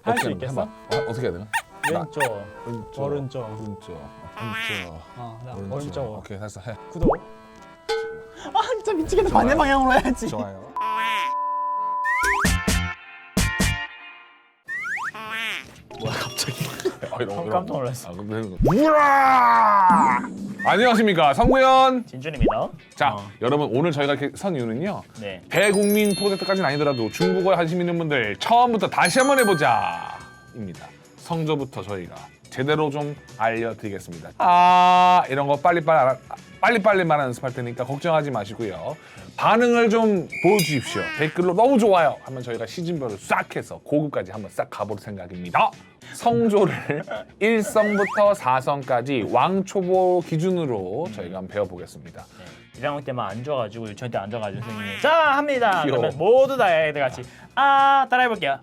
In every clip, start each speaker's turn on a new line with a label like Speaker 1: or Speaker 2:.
Speaker 1: 할 수
Speaker 2: 어떻게
Speaker 1: 있겠어?
Speaker 2: 해봐. 어떻게 해야 되나?
Speaker 1: 왼쪽,
Speaker 2: 왼쪽,
Speaker 1: 오른쪽.
Speaker 2: 오른쪽, 나
Speaker 1: 나 오른쪽.
Speaker 2: 오케이, 됐어. 해.
Speaker 1: 구독. 아 진짜 미치겠다. 반대 방향으로 해야지.
Speaker 2: 좋아요.
Speaker 1: 뭐야 갑자기? 깜짝 놀랐어.
Speaker 2: 우라! 안녕하십니까, 성구현.
Speaker 1: 진준입니다.
Speaker 2: 자, 여러분 오늘 저희가 이렇게 선 이유는요.
Speaker 1: 네.
Speaker 2: 대국민 프로젝트까지는 아니더라도 중국어에 관심 있는 분들 처음부터 다시 한번 해보자입니다. 성조부터 저희가 제대로 좀 알려드리겠습니다. 이런 거 빨리빨리 말하는 연습할 테니까 걱정하지 마시고요. 반응을 좀 보여주십시오. 댓글로 너무 좋아요 하면 저희가 시즌별로 싹 해서 고급까지 한번 싹 가볼 생각입니다. 성조를 1성부터 4성까지 왕초보 기준으로 저희가 한번 배워보겠습니다.
Speaker 1: 1학년 때만 앉아가지고 유치원 때 앉아가지고 선생님이 자 합니다.
Speaker 2: 귀여워.
Speaker 1: 그러면 모두 다 애들 같이 따라해볼게요.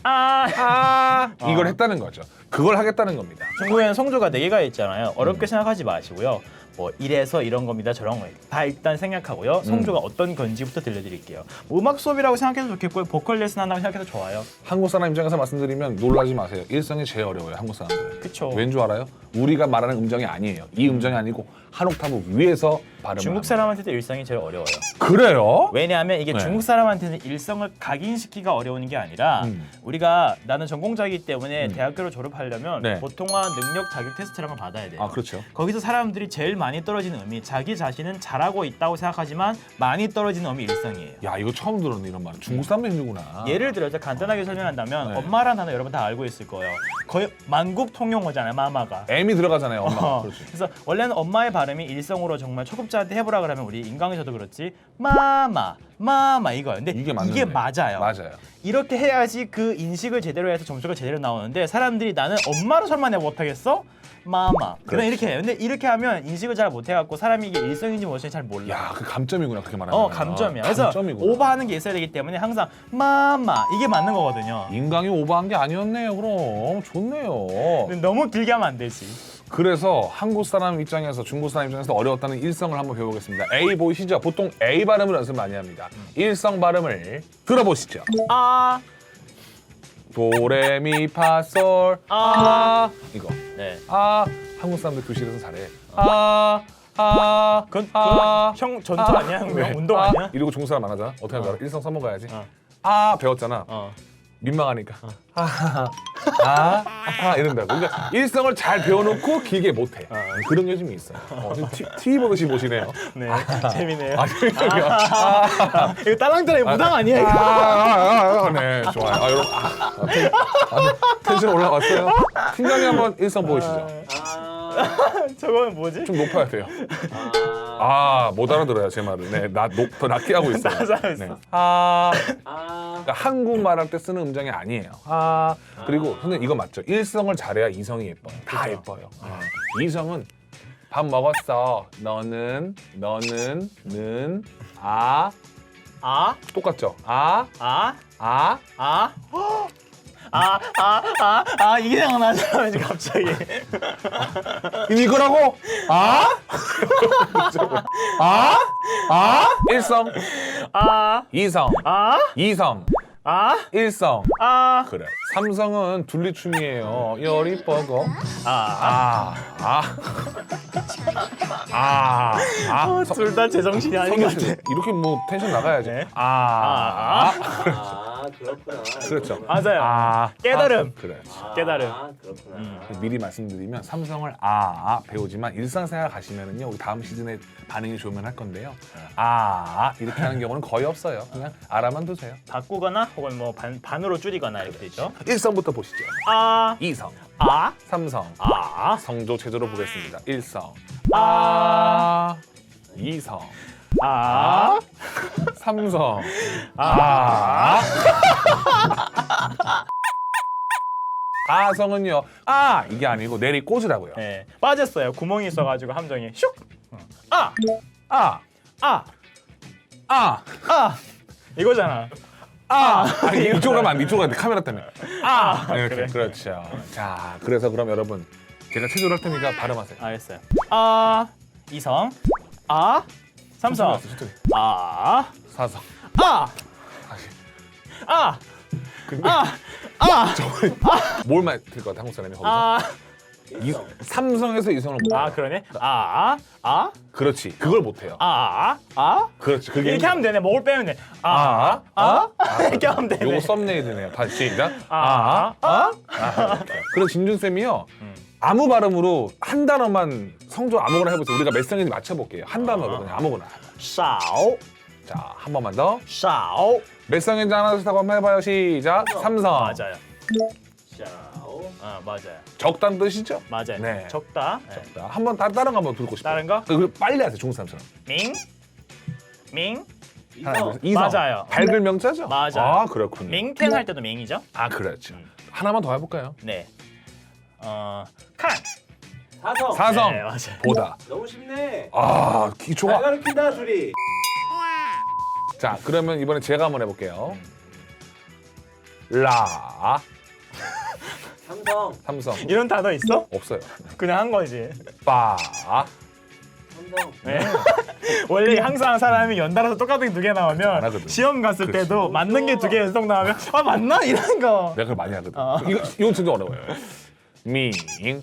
Speaker 2: 이걸 했다는 거죠. 그걸 하겠다는 겁니다.
Speaker 1: 중국에는 성조가 4개가 있잖아요. 어렵게 생각하지 마시고요. 뭐 이래서 이런 겁니다. 저런 거 다 일단 생각하고요. 성조가 어떤 건지부터 들려드릴게요. 뭐 음악 수업이라고 생각해도 좋겠고요. 보컬 레슨 한다고 생각해도 좋아요.
Speaker 2: 한국 사람 입장에서 말씀드리면 놀라지 마세요. 일성이 제일 어려워요, 한국 사람들은.
Speaker 1: 그쵸.
Speaker 2: 왠 줄 알아요? 우리가 말하는 음정이 아니에요. 이 음정이 아니고 한 옥타브 위에서 발음을
Speaker 1: 중국
Speaker 2: 합니다.
Speaker 1: 사람한테도 일성이 제일 어려워요.
Speaker 2: 그래요?
Speaker 1: 왜냐하면 이게
Speaker 2: 네.
Speaker 1: 중국 사람한테는 일성을 각인시키기가 어려운 게 아니라 우리가 나는 전공자이기 때문에 대학교를 졸업하려면
Speaker 2: 네.
Speaker 1: 보통화 능력 자격 테스트를 한번 받아야 돼요.
Speaker 2: 그렇죠.
Speaker 1: 거기서 사람들이 제일 많이 떨어지는 음이 자기 자신은 잘하고 있다고 생각하지만 많이 떨어지는 음이 일성이에요.
Speaker 2: 야, 이거 처음 들었네, 이런 말. 중국 사람도 힘들구나.
Speaker 1: 예를 들어서 간단하게 설명한다면
Speaker 2: 네.
Speaker 1: 엄마라는 단어 여러분 다 알고 있을 거예요. 거의 만국 통용어잖아요, 마마가.
Speaker 2: M이 들어가잖아요, 엄마. 그렇지.
Speaker 1: 그래서 원래는 엄마의 발음이 일성으로 정말 초급자한테 해보라 그러면 우리 인강에서도 그렇지 마마 이거예요. 근데
Speaker 2: 이게 맞는데.
Speaker 1: 이게 맞아요.
Speaker 2: 맞아요. 이렇게
Speaker 1: 이렇게 해야지 그 인식을 제대로 해서 점수가 제대로 나오는데 사람들이 나는 엄마로 설마 내가 못하겠어? 마마. 그냥
Speaker 2: 그렇지.
Speaker 1: 이렇게 해요. 근데 이렇게 하면 인식을 잘 못해갖고 사람이 이게 일성인지 무엇인지 잘 몰라.
Speaker 2: 야, 그 감점이구나, 그렇게 말하면.
Speaker 1: 감점이야. 그래서
Speaker 2: 감점이구나.
Speaker 1: 오버하는 게 있어야 되기 때문에 항상 마마 이게 맞는 거거든요.
Speaker 2: 인강이 오버한 게 아니었네요, 그럼. 좋네요.
Speaker 1: 근데 너무 길게 하면 안 되지.
Speaker 2: 그래서 한국 사람 입장에서 중국 사람 입장에서 어려웠다는 일성을 한번 배워보겠습니다. A 보이시죠? 보통 A 발음을 연습 많이 합니다. 일성 발음을 들어보시죠. 도레미파솔 이거.
Speaker 1: 네.
Speaker 2: 한국 사람들 교실에서 잘해.
Speaker 1: 그건 형 전투 아니야? 형 운동 아니야?
Speaker 2: 이러고 중국 사람 안 하잖아. 어떻게 하는 줄 알아? 일성 써먹어야지. 배웠잖아.
Speaker 1: 어.
Speaker 2: 민망하니까. 이런다고. 그러니까 일성을 잘 배워놓고 길게 못해. 그런 요즘이 있어요. TV 보듯이 보시네요.
Speaker 1: 네. 재미네요.
Speaker 2: 이거
Speaker 1: 이거 딸랑딸랑 무당 아니야 이거?
Speaker 2: 네, 좋아요. 여러분, 텐션 올라왔어요. 팀장님 한번 일성 보이시죠?
Speaker 1: 저거는 뭐지?
Speaker 2: 좀 높아야 돼요. 못 알아들어요, 제 말을. 네, 더 낮게 하고 있어요.
Speaker 1: 낮아졌어.
Speaker 2: 네. 그러니까 한국말 할 때 쓰는 음정이 아니에요. 그리고 선생님 이거 맞죠? 일성을 잘해야 이성이 예뻐요. 다 예뻐요. 이성은 밥 먹었어. 너는, 똑같죠?
Speaker 1: 이게 생각나잖아 왠지 갑자기.
Speaker 2: 이거라고? 일성, 이성, 이성, 일성. 그래. 삼성은 둘리춤이에요. 열이 뻐고.
Speaker 1: 둘 다 제정신이 아닌 것 같아.
Speaker 2: 이렇게 뭐 텐션 나가야지.
Speaker 1: 네.
Speaker 3: 그렇구나.
Speaker 2: 그렇죠.
Speaker 1: 맞아요. 깨달음.
Speaker 2: 그래.
Speaker 1: 깨달음.
Speaker 3: 그렇구나.
Speaker 2: 미리 말씀드리면 삼성을 배우지만 일상생활 가시면은요 우리 다음 시즌에 반응이 좋으면 할 건데요. 이렇게 하는 경우는 거의 없어요. 그냥 알아만 두세요.
Speaker 1: 바꾸거나 혹은 뭐 반으로 줄이거나 이렇게 되죠.
Speaker 2: 일성부터 보시죠. 이성, 삼성, 성조 체조로 보겠습니다. 일성, 이성, 삼성, 아성은요. 이게 아니고 내리 꽂으라고요.
Speaker 1: 네. 빠졌어요. 구멍이 있어가지고 함정이 슉. 이거잖아.
Speaker 2: 이쪽으로 가면 안 돼. 이쪽으로 가면 돼. 카메라 때문에. 이렇게.
Speaker 1: 그래.
Speaker 2: 그렇죠. 자, 그래서 그럼 여러분 제가 체조를 할 테니까 발음하세요.
Speaker 1: 알겠어요. 이성, 삼성,
Speaker 2: 천천히.
Speaker 1: 사성,
Speaker 2: 사성.
Speaker 1: 근데
Speaker 2: 뭘 맡을 것 같아 한국 사람이 거기서?
Speaker 1: 아,
Speaker 2: 삼성에서 이성을 못.
Speaker 1: 아 그러네.
Speaker 2: 그렇지. 그걸 못 해요. 그렇지. 그게
Speaker 1: 이렇게 하면 되네. 목을 빼면 돼. 이렇게 하면 되네.
Speaker 2: 요거 썸네일이네요. 다시 시작. 그럼 진준 쌤이요. 아무 발음으로 한 단어만 성조 아무거나 해보세요. 우리가 몇 성인지 맞춰볼게요. 한 단어로 그냥 아무거나.
Speaker 1: 少
Speaker 2: 자, 한 번만 더.
Speaker 1: 少
Speaker 2: 몇 성인지 하나 둘 셋 한번 해봐요. 시작. 삼성.
Speaker 1: 맞아요.
Speaker 3: 小
Speaker 1: 맞아요.
Speaker 2: 적다는 뜻이죠?
Speaker 1: 맞아요.
Speaker 2: 네.
Speaker 1: 적다. 네.
Speaker 2: 자, 한번 다른 거 한번 듣고 싶어요.
Speaker 1: 다른 거?
Speaker 2: 그 빨리 하세요. 중국 사람처럼.
Speaker 1: 밍
Speaker 2: 하나, 둘,
Speaker 3: 이성
Speaker 2: 셋. 이성.
Speaker 1: 맞아요.
Speaker 2: 밝을 명자죠?
Speaker 1: 맞아요.
Speaker 2: 아, 그렇군요.
Speaker 1: 밍텐 할 때도 밍이죠.
Speaker 2: 아, 그렇죠. 하나만 더 해볼까요?
Speaker 1: 네. 칸.
Speaker 3: 사성
Speaker 2: 사성.
Speaker 1: 네, 맞아요.
Speaker 2: 보다.
Speaker 3: 너무 쉽네
Speaker 2: 아,
Speaker 3: 잘
Speaker 2: 기초가.
Speaker 3: 가르친다 둘이
Speaker 2: 자, 그러면 이번에 제가 한번 해볼게요. 라.
Speaker 3: 삼성
Speaker 2: 삼성.
Speaker 1: 이런 단어 있어?
Speaker 2: 없어요.
Speaker 1: 그냥 한 거지.
Speaker 2: 빠.
Speaker 3: 삼성
Speaker 1: 네. 원래 항상 사람이 연달아서 똑같은 게 두 개
Speaker 2: 안
Speaker 1: 나오면
Speaker 2: 하거든.
Speaker 1: 시험 갔을
Speaker 2: 그렇지.
Speaker 1: 때도 맞는 게 두 개 연속 나오면 맞나? 이런 거.
Speaker 2: 내가 그걸 많이 하거든. 이건 진짜 어려워요. 밍.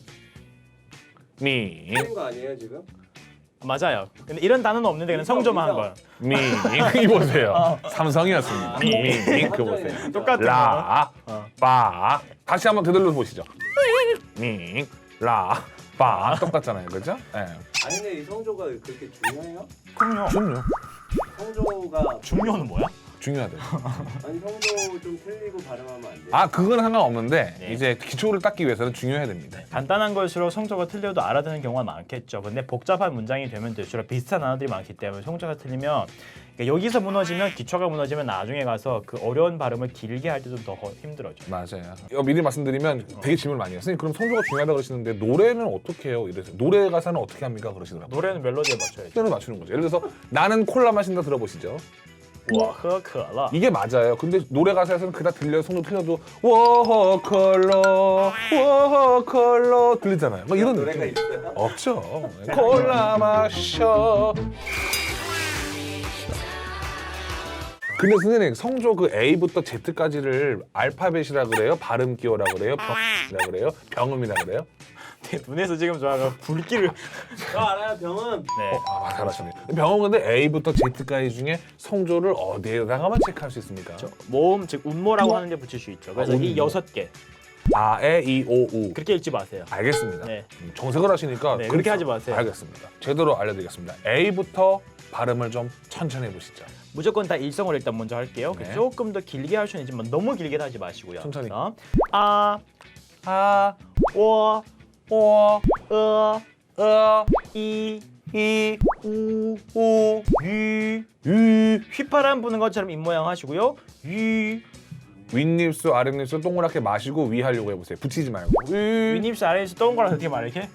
Speaker 3: 틀린 거 아니에요 지금?
Speaker 1: 맞아요. 근데 이런 단어는 없는데 그냥 성조만 한 거야.
Speaker 2: 밍. 이보세요. 삼성이었습니다. 밍. 그거 보세요.
Speaker 1: 똑같은
Speaker 2: 라. 빠. 다시 한번 되돌려 보시죠. 밍. 라. 빠. 똑같잖아요. 그죠? 예.
Speaker 3: 아니 근데 이 성조가 그렇게 중요해요?
Speaker 1: 그럼요.
Speaker 2: 중요.
Speaker 3: 성조가
Speaker 1: 중요는 뭐야?
Speaker 2: 중요하대.
Speaker 3: 아니 성조 좀 틀리고 발음하면 안 돼?
Speaker 2: 아, 그건 상관없는데
Speaker 1: 네.
Speaker 2: 이제 기초를 닦기 위해서는 중요해야 됩니다.
Speaker 1: 간단한 걸수록 성조가 틀려도 알아듣는 경우가 많겠죠. 근데 복잡한 문장이 되면 될수록 비슷한 단어들이 많기 때문에 성조가 틀리면 그러니까 여기서 무너지면 기초가 무너지면 나중에 가서 그 어려운 발음을 길게 할 때 좀 더 힘들어져.
Speaker 2: 맞아요. 미리 말씀드리면 되게 질문을 많이 해요. 선생님 그럼 성조가 중요하다고 그러시는데 노래는 어떻게 해요? 이래서 노래 가사는 어떻게 합니까? 그러시더라고요.
Speaker 1: 노래는 멜로디에 맞춰야지.
Speaker 2: 표현을 맞추는 거죠. 예를 들어서 나는 콜라 마신다 들어보시죠.
Speaker 1: 我喝可乐
Speaker 2: 이게 맞아요. 근데 노래 가사에서는 그다 들려요. 성조 틀려도 워컬러 워컬러 들리잖아요. 막 이런
Speaker 3: 노래가
Speaker 2: 느낌.
Speaker 3: 있어요?
Speaker 2: 없죠. 콜라 마셔. 근데 선생님 성조 그 A부터 Z까지를 알파벳이라 그래요? 발음 기호라 그래요? 병이라 그래요? 병음이라 그래요?
Speaker 1: 내 눈에서 지금 저가 불길을
Speaker 3: 저 알아요 병은
Speaker 1: 네.
Speaker 2: 아, 잘하시네. 병음 근데 A부터 Z까지 중에 성조를 어디에다가만 체크할 수 있습니까?
Speaker 1: 모음 즉 운모라고 하는 데 붙일 수 있죠. 그래서 이
Speaker 2: 운모.
Speaker 1: 6개
Speaker 2: 아, 에, 이, 오, 우.
Speaker 1: 그렇게 읽지 마세요.
Speaker 2: 알겠습니다.
Speaker 1: 네.
Speaker 2: 정색을 하시니까
Speaker 1: 네, 그렇게 하지 마세요.
Speaker 2: 알겠습니다. 제대로 알려드리겠습니다. A부터 발음을 좀 천천히 해보시죠.
Speaker 1: 무조건 다 일성으로 일단 먼저 할게요.
Speaker 2: 네.
Speaker 1: 조금 더 길게 할 수는 있지만 너무 길게 하지 마시고요.
Speaker 2: 천천히.
Speaker 1: 아,
Speaker 2: 아,
Speaker 1: 我
Speaker 2: 오,
Speaker 1: 이,
Speaker 2: 이,
Speaker 1: 우,
Speaker 2: 오,
Speaker 1: 유.
Speaker 2: 유.
Speaker 1: 휘파람 부는 것처럼 입 모양 하시고요. 유.
Speaker 2: 윗입술, 아랫입술 동그랗게 마시고 위 하려고 해보세요. 붙이지 말고.
Speaker 1: 윗입술 아래에서 동그랗게 어떻게 말해 이렇게?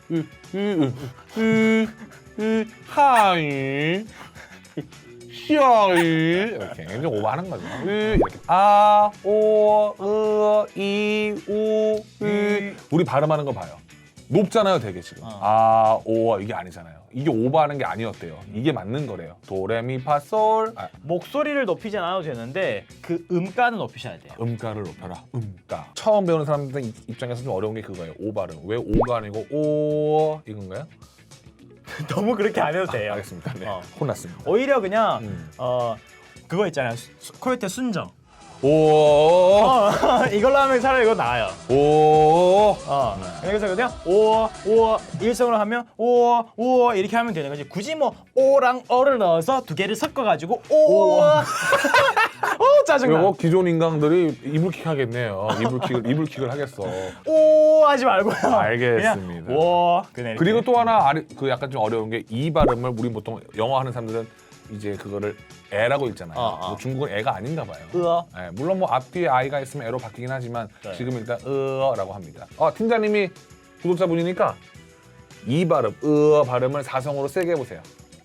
Speaker 2: 하이, 샤이 이렇게 좀 오버하는 거죠. 이렇게 아, 오, 이, 우, 우리 발음하는 거 봐요. 높잖아요, 되게 지금. 아, 오, 이게 아니잖아요. 이게 오버하는 게 아니었대요. 이게 맞는 거래요. 도레미파솔. 아,
Speaker 1: 목소리를 높이지 않아도 되는데 그 음가는 높이셔야 돼요.
Speaker 2: 음가를 높여라. 음가. 처음 배우는 사람들 입장에서 좀 어려운 게 그거예요. 오 발음. 왜 오가 아니고 오 이건가요?
Speaker 1: 너무 그렇게 안 해도 돼요.
Speaker 2: 알겠습니다. 네.
Speaker 1: 어.
Speaker 2: 혼났습니다.
Speaker 1: 오히려 그냥
Speaker 2: 음.
Speaker 1: 그거 있잖아요. 코요테 순정.
Speaker 2: 오,
Speaker 1: 이걸로 하면 차라리 이거 나아요.
Speaker 2: 오.
Speaker 1: 그래서 그냥 오 일성으로 하면 오 이렇게 하면 되는 거지. 굳이 뭐 오랑 어를 넣어서 두 개를 섞어가지고 오 짜증나.
Speaker 2: 이거 기존 인강들이 이불킥 하겠네요. 이불킥을 하겠어.
Speaker 1: 오 하지 말고요.
Speaker 2: 알겠습니다.
Speaker 1: 그냥 오 그냥
Speaker 2: 그리고 또 하나 그 약간 좀 어려운 게 이 발음을 우리 보통 영어 하는 사람들은 이제 그거를 애라고 읽잖아요. 뭐 중국은 애가 아닌가 봐요. 네, 물론 뭐 앞뒤에 아이가 있으면 애로 바뀌긴 하지만
Speaker 1: 네.
Speaker 2: 지금 일단 라고 합니다. 팀장님이 구독자분이니까 이 발음 발음을 사성으로 세게 해보세요.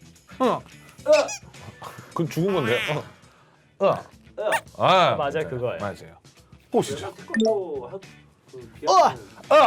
Speaker 2: 그건 죽은 건데요.
Speaker 1: 맞아요, 그거예요.
Speaker 2: 맞아요. 보시죠.
Speaker 3: 태권도 그 기억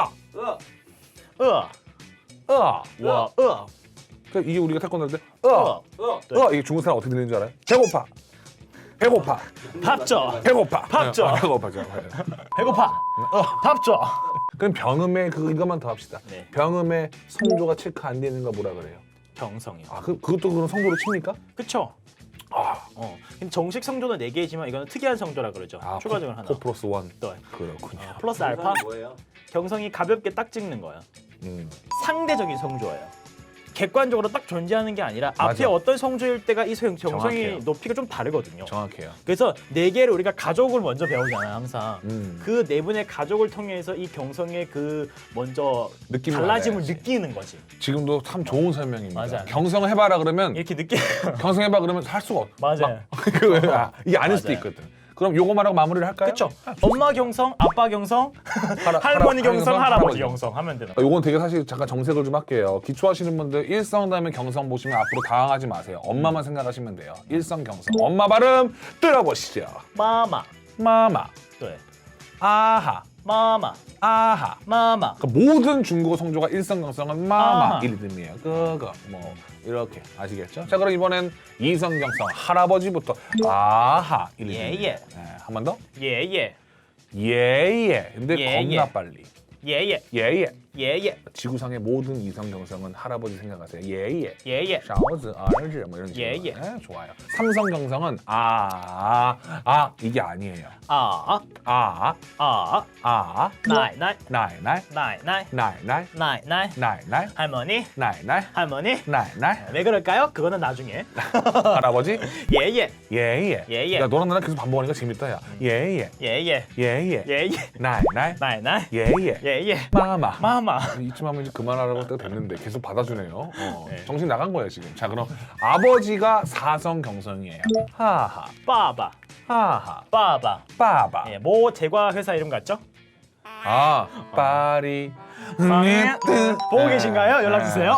Speaker 1: 와
Speaker 2: 그러니까 이게 우리가 태권도 할 때
Speaker 1: 네.
Speaker 2: 이게 중국 사람 어떻게 들리는 줄 알아요? 배고파. 배고파.
Speaker 1: 밥 줘.
Speaker 2: 배고파.
Speaker 1: 밥 줘.
Speaker 2: 배고파. 줘.
Speaker 1: 배고파. 밥 줘.
Speaker 2: 그럼 병음의 이것만 더 합시다.
Speaker 1: 네.
Speaker 2: 병음의 성조가 체크 안 되는 거 뭐라 그래요?
Speaker 1: 경성이요.
Speaker 2: 아, 그것도 그럼 성조로 칩니까?
Speaker 1: 그쵸? 근데 정식 성조는 4개지만 이거는 특이한 성조라 그러죠. 추가적으로 하나.
Speaker 2: 4 플러스 1.
Speaker 1: 네.
Speaker 2: 그렇군요.
Speaker 1: 플러스 알파.
Speaker 3: 뭐예요?
Speaker 1: 경성이 가볍게 딱 찍는 거예요.
Speaker 2: 음.
Speaker 1: 상대적인 성조예요. 객관적으로 딱 존재하는 게 아니라
Speaker 2: 맞아.
Speaker 1: 앞에 어떤 성조일 때가 이 경성이
Speaker 2: 정확해요.
Speaker 1: 높이가 좀 다르거든요.
Speaker 2: 정확해요.
Speaker 1: 그래서 4개를 우리가 가족을 먼저 배우잖아요, 항상.
Speaker 2: 음.
Speaker 1: 그 4분의 가족을 통해서 이 경성의 그 먼저
Speaker 2: 느낌을
Speaker 1: 달라짐을
Speaker 2: 알아야지.
Speaker 1: 느끼는 거지.
Speaker 2: 지금도 참 좋은 설명입니다.
Speaker 1: 맞아요.
Speaker 2: 경성 해봐라 그러면
Speaker 1: 이렇게 느끼.
Speaker 2: 경성해봐 그러면 할 수가 없어.
Speaker 1: 맞아요.
Speaker 2: 이게 아닐 수도
Speaker 1: 맞아요.
Speaker 2: 있거든. 그럼 요거만 하고 마무리를 할까요?
Speaker 1: 그렇죠. 엄마 경성, 아빠 경성, 할머니 경성, 할아버지 경성 하면 되는 거예요.
Speaker 2: 요건 되게 사실 잠깐 정색을 좀 할게요. 기초하시는 분들 일성 다음에 경성 보시면 앞으로 당황하지 마세요. 엄마만 생각하시면 돼요. 일성 경성. 엄마 발음 들어보시죠.
Speaker 1: 마마.
Speaker 2: 마마,
Speaker 1: 네.
Speaker 2: 아하,
Speaker 1: 마마.
Speaker 2: 아하.
Speaker 1: 마마.
Speaker 2: 그러니까 모든 중국어 성조가 일성 경성은 마마
Speaker 1: 아하.
Speaker 2: 이 리듬이에요. 그거 뭐 이렇게 아시겠죠? 자 그럼 이번엔 이성 경성 할아버지부터 아하 이 리듬이에요.
Speaker 1: 예.
Speaker 2: 한 번 더.
Speaker 1: 예예.
Speaker 2: 예예. 근데
Speaker 1: 예,
Speaker 2: 겁나
Speaker 1: 예.
Speaker 2: 빨리.
Speaker 1: 예예.
Speaker 2: 예예.
Speaker 1: 예예.
Speaker 2: 지구상의 모든 이성 경성은 할아버지 생각하세요. 예예.
Speaker 1: 예예.
Speaker 2: 勺子, 儿子 뭐 이런 식으로.
Speaker 1: 예, 예.
Speaker 2: 네, 좋아요. 삼성 경성은 이게 아니에요.
Speaker 1: 아.
Speaker 2: 아,
Speaker 1: 아.
Speaker 2: 아,
Speaker 1: 나이 나이.
Speaker 2: 나이, 나이,
Speaker 1: 나이 나이.
Speaker 2: 나이, 나이,
Speaker 1: 나이 나이.
Speaker 2: 나이, 나이,
Speaker 1: 할머니.
Speaker 2: 나이, 나이,
Speaker 1: 할머니.
Speaker 2: 나이, 나이.
Speaker 1: 왜 그럴까요? 그거는 나중에.
Speaker 2: 할아버지?
Speaker 1: 예예.
Speaker 2: 예예.
Speaker 1: 예, 예.
Speaker 2: 야, 너랑 나랑 계속 반복하니까 재밌다, 야. 예예.
Speaker 1: 예예.
Speaker 2: 예예.
Speaker 1: 예예.
Speaker 2: 나이, 나이,
Speaker 1: 나이 나이.
Speaker 2: 예예.
Speaker 1: 예예.
Speaker 2: 마마.
Speaker 1: 마마.
Speaker 2: 이쯤 하면 이제 그만하라고 할 때가 됐는데 계속 받아주네요.
Speaker 1: 네.
Speaker 2: 정신 나간 거예요 지금. 자 그럼 아버지가 사성 경성이에요. 하하,
Speaker 1: 빠바.
Speaker 2: 하하,
Speaker 1: 빠바.
Speaker 2: 빠바.
Speaker 1: 예, 모 제과 회사 이름 같죠?
Speaker 2: 아, 파리.
Speaker 1: 보고 계신가요? 연락 주세요.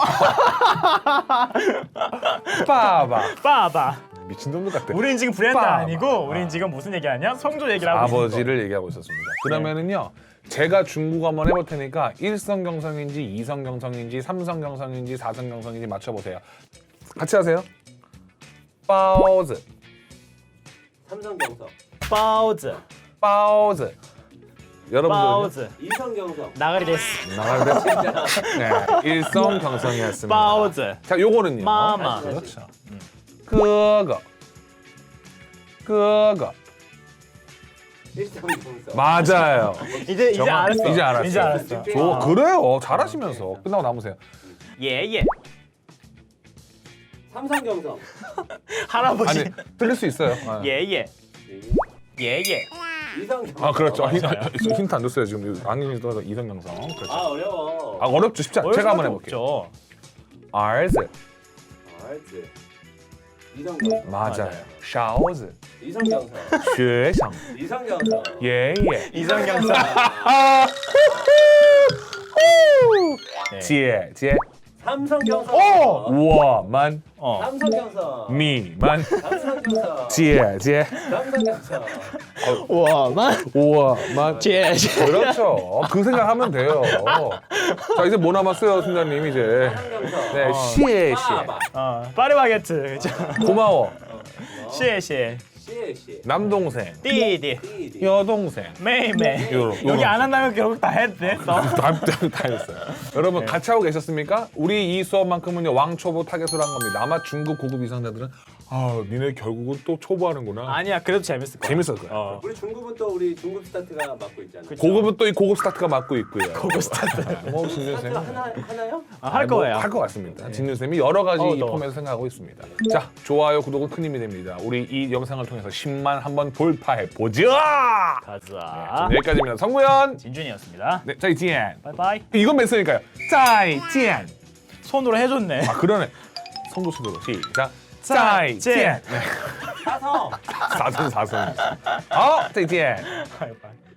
Speaker 2: 빠바.
Speaker 1: 빠바.
Speaker 2: 미친놈들 같아.
Speaker 1: 우린 지금 브랜드
Speaker 2: 빠바.
Speaker 1: 아니고 우린 지금 무슨 얘기하냐? 성조 얘기를 하고 있는 거.
Speaker 2: 아버지를 얘기하고 있었습니다. 그러면은요. 제가 중국어 한번 해볼 테니까 일성경성인지 이성경성인지 삼성경성인지 사성경성인지 맞춰보세요. 같이 하세요. 빠오즈,
Speaker 3: 삼성경성,
Speaker 1: 빠우즈.
Speaker 2: 빠오즈. 여러분들
Speaker 1: 빠우즈.
Speaker 3: 이성경성.
Speaker 1: 나가리 데스.
Speaker 2: 나가는데 네, 일성경성이었습니다.
Speaker 1: 빠우즈.
Speaker 2: 자, 요거는요.
Speaker 1: 마마.
Speaker 2: 그렇죠. 그거.
Speaker 3: 일성경성.
Speaker 2: 맞아요.
Speaker 1: 이제 알았어.
Speaker 2: 이제 알았어요.
Speaker 1: 이제 알았어.
Speaker 2: 그래요. 잘하시면서 끝나고 남으세요.
Speaker 1: 예예.
Speaker 3: 삼성경성.
Speaker 1: 할아버지.
Speaker 2: 아니 틀릴 수 있어요. 아.
Speaker 1: 예예. 예예.
Speaker 3: 이성경성.
Speaker 2: 아 그렇죠. 힌트 안 줬어요 지금 안경이 떠서 이성경성. 그렇죠.
Speaker 3: 아 어려워.
Speaker 2: 아 어렵죠. 쉽지 않. 제가 한번 해볼게요.
Speaker 1: 없죠.
Speaker 2: 알즈
Speaker 3: 알지. 이성경성.
Speaker 2: 맞아요. 샤오즈
Speaker 3: 이성경성.
Speaker 2: 学生
Speaker 3: 이성경성.
Speaker 2: 예예
Speaker 1: 이성경성. 네.
Speaker 2: 姐姐
Speaker 3: 삼성경성.
Speaker 2: 我们
Speaker 3: 삼성경성.
Speaker 2: 你们
Speaker 3: 삼성경성.
Speaker 2: 姐姐
Speaker 3: 삼성경성.
Speaker 1: 我们
Speaker 2: 我们
Speaker 1: 姐姐
Speaker 2: 그렇죠. 그 생각하면 돼요. 자 이제 뭐 남았어요, 순자님 이제.
Speaker 3: 삼성경성.
Speaker 2: 네, 谢谢
Speaker 1: 파리바게트. 그죠?
Speaker 2: 고마워.
Speaker 1: 谢谢
Speaker 3: 시에시.
Speaker 2: 남동생,
Speaker 1: 디디
Speaker 3: 띠디.
Speaker 2: 여동생.
Speaker 1: 메이메이.
Speaker 2: 요런.
Speaker 1: 여기 안 한다면 결국 다 했어.
Speaker 2: 다 했어요. 여러분 같이 하고 계셨습니까? 우리 이 수업만큼은요 왕초보 타겟으로 한 겁니다. 아마 중급 고급 이상자들은 니네 결국은 또 초보하는구나.
Speaker 1: 아니야, 그래도 재밌을 거야.
Speaker 2: 재밌을 거야.
Speaker 3: 우리 중급은 또 우리 중급 스타트가 맡고 있잖아.
Speaker 2: 고급은 또 이 고급 스타트가 맡고 있고요.
Speaker 1: 고급 스타트.
Speaker 2: 뭐 진준
Speaker 3: 스타트
Speaker 2: 쌤.
Speaker 3: 하나요?
Speaker 1: 할 거예요.
Speaker 2: 할것 같습니다. 진준 쌤이 여러 가지 이
Speaker 1: 너.
Speaker 2: 폼에서 생각하고 있습니다. 자, 좋아요, 구독은 큰 힘이 됩니다. 우리 이 영상을 통해서 10만 한번 돌파해 보자.
Speaker 1: 가자.
Speaker 2: 여기까지입니다. 성구현.
Speaker 1: 진준이었습니다.
Speaker 2: 네, 再见.
Speaker 1: 바이바이.
Speaker 2: 이건 몇 소니까요? 再见.
Speaker 1: 손으로 해줬네.
Speaker 2: 아 그러네. 성도 수도로 시작.
Speaker 1: 再见.
Speaker 2: 再见.
Speaker 3: 사성.
Speaker 2: 사선. 再见.
Speaker 1: 바이바이.